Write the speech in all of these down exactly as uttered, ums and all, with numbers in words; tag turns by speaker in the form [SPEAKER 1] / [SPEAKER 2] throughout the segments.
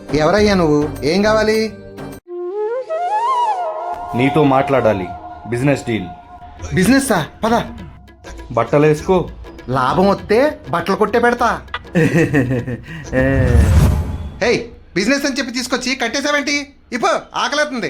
[SPEAKER 1] ఎవరయ్యా నువ్వు? ఏం కావాలి?
[SPEAKER 2] నీతో మాట్లాడాలి. Business deal.
[SPEAKER 1] బిజినెస్ పద.
[SPEAKER 2] బట్టలు వేసుకో.
[SPEAKER 1] లాభం వస్తే బట్టలు కొట్టే పెడతా. హే, బిజినెస్ అని చెప్పి తీసుకొచ్చి కట్టేసావేంటి? ఇప్పు ఆకలేస్తుంది.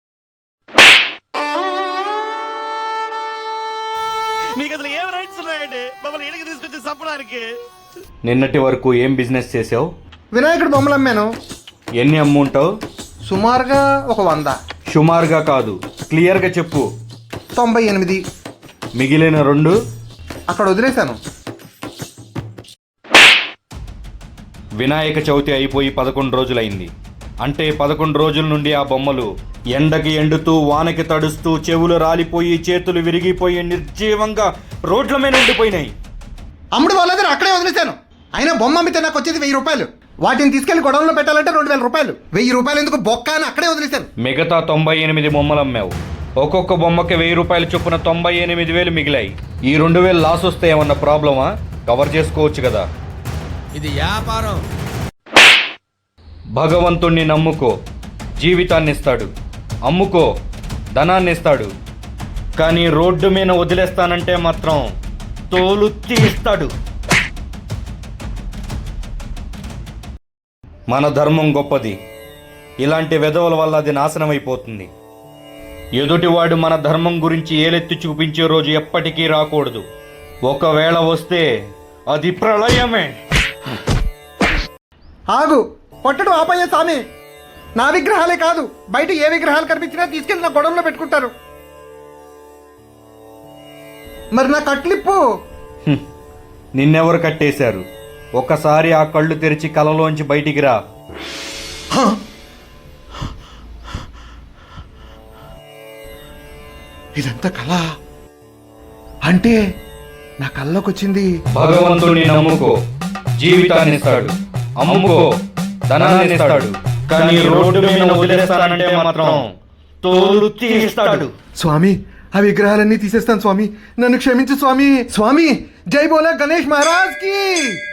[SPEAKER 3] మీకు అసలు ఏం రైట్స్ ఉన్నాయండి మమ్మల్ని ఇంటికి తీసుకొచ్చి చంపడానికి?
[SPEAKER 2] నిన్నటి వరకు ఏం బిజినెస్ చేసావు?
[SPEAKER 1] వినాయకుడు బొమ్మలు అమ్మాను.
[SPEAKER 2] ఎన్ని అమ్ముంటావు?
[SPEAKER 1] సుమారుగా ఒక వంద.
[SPEAKER 2] సుమారుగా కాదు, క్లియర్గా చెప్పు.
[SPEAKER 1] తొంభై ఎనిమిది.
[SPEAKER 2] మిగిలిన రెండు
[SPEAKER 1] అక్కడ వదిలేశాను.
[SPEAKER 2] వినాయక చవితి అయిపోయి పదకొండు రోజులైంది. అంటే పదకొండు రోజుల నుండి ఆ బొమ్మలు ఎండకి ఎండుతూ, వానకి తడుస్తూ, చెవులు రాలిపోయి, చేతులు విరిగిపోయి, నిర్జీవంగా రోడ్ల మీద ఉండిపోయినాయి.
[SPEAKER 1] అమ్ముడు వాళ్ళందరూ అక్కడే వదిలేశాను. అయినా బొమ్మ అమ్మితే నాకు వచ్చేది వెయ్యి రూపాయలు. వాటిని తీసుకెళ్లి గొడవలో పెట్టాలంటే రెండు వేల రూపాయలు. వెయ్యి రూపాయలు ఎందుకు బొక్క అని అక్కడే వదిలేశాను.
[SPEAKER 2] మిగతా తొంభై ఎనిమిది బొమ్మలు అమ్మావు. ఒక్కొక్క బొమ్మకి వెయ్యి రూపాయలు చొప్పున తొంభై ఎనిమిది వేలు మిగిలాయి. ఈ రెండు వేలు లాస్ వస్తే ఏమన్నా ప్రాబ్లమా? కవర్ చేసుకోవచ్చు కదా.
[SPEAKER 3] ఇది వ్యాపారం.
[SPEAKER 2] భగవంతుణ్ణి నమ్ముకో, జీవితాన్ని ఇస్తాడు. అమ్ముకో, ధనాన్ని ఇస్తాడు. కానీ రోడ్డు మీద వదిలేస్తానంటే మాత్రం తోలు తీస్తాడు. మన ధర్మం గొప్పది. ఇలాంటి వెధవల వల్ల అది నాశనం అయిపోతుంది. ఎదుటివాడు మన ధర్మం గురించి ఏలెత్తి చూపించే రోజు ఎప్పటికీ రాకూడదు. ఒకవేళ వస్తే అది ప్రళయమే.
[SPEAKER 1] ఆగు, కొట్టడం ఆపయ్యే స్వామి. నా విగ్రహాలే కాదు, బయట ఏ విగ్రహాలు కనిపించినా తీసుకెళ్ళి నా గొడవలో పెట్టుకుంటారు. మరి నా కట్లిప్పు.
[SPEAKER 2] హ్మ్. నిన్నెవరు కట్టేశారు? ఒక్కసారి ఆ కళ్ళు తెరిచి కలలోంచి బయటికి రా.
[SPEAKER 1] ఇదంతా కళ అంటే నా కళ్ళలోకి వచ్చింది.
[SPEAKER 2] భగవంతుని నమ్ముకో, జీవితాన్ని ఇస్తాడు. అమ్ముకో, ధనాన్ని ఇస్తాడు. కానీ రోడ్డు మీద వదిలేస్తానంటే మాత్రం తోలు తీస్తాడు.
[SPEAKER 1] స్వామి, ఆ విగ్రహాలన్నీ తీసేస్తాను స్వామి. నన్ను క్షమించు స్వామి. స్వామి, జై బోలా గణేష్ మహారాజ్ కి.